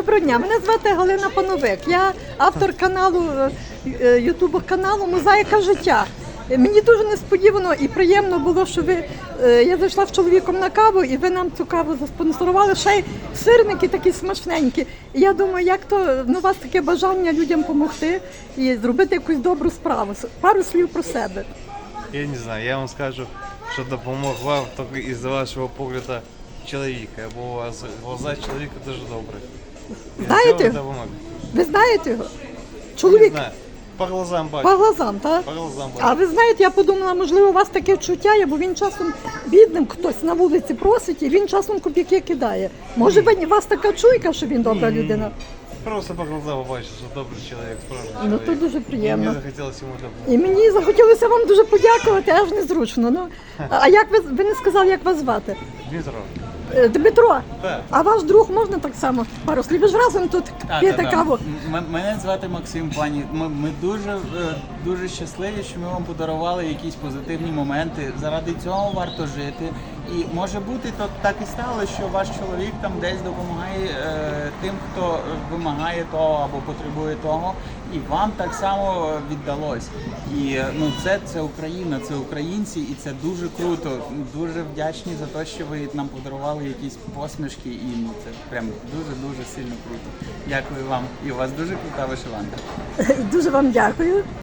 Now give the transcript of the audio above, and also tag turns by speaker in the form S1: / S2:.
S1: Доброго дня, мене звати Галина Пановик. Я автор каналу, ютуб каналу «Мозаїка життя». Мені дуже несподівано і приємно було, що я зайшла з чоловіком на каву, і ви нам цю каву заспонсорували. Ще й сирники такі смачненькі. І я думаю, як то у вас таке бажання людям допомогти і зробити якусь добру справу. Пару слів про себе.
S2: Я не знаю, я вам скажу, що допомог вам тільки із вашого погляду чоловіка, бо у вас глаза чоловіка дуже добрі.
S1: Знаєте його? Ви знаєте його? Чоловік?
S2: Не знаю. По глазам бачу.
S1: По глазам, так?
S2: По глазам бачу.
S1: А ви знаєте, я подумала, можливо, у вас таке чуття є, бо він часом бідним хтось на вулиці просить, і він часом копійки кидає. Може, у вас така чуйка, що він добра людина?
S2: Просто по глазам бачу, що добрий чоловік, справжній
S1: Ну,
S2: чоловік.
S1: то дуже приємно.
S2: Мені захотілося йому допомогти.
S1: І мені захотілося вам дуже подякувати, аж незручно. Ну, а як ви не сказали, як вас звати?
S2: Дмитро.
S1: Дмитро,
S2: Так.
S1: а ваш друг можна так само пару слів? Ви ж разом тут п'єте каву.
S3: Мене звати Максим, пані. Ми дуже щасливі, що ми вам подарували якісь позитивні моменти. Заради цього варто жити. І може бути, то так і стало, що ваш чоловік там десь допомагає тим, хто вимагає того або потребує того. І вам так само віддалось. І це Україна, це українці, і це дуже круто. Дуже вдячні за те, що ви нам подарували якісь посмішки, і це прям дуже сильно круто. Дякую вам. І у вас дуже крута вишиванка.
S1: Дуже вам дякую.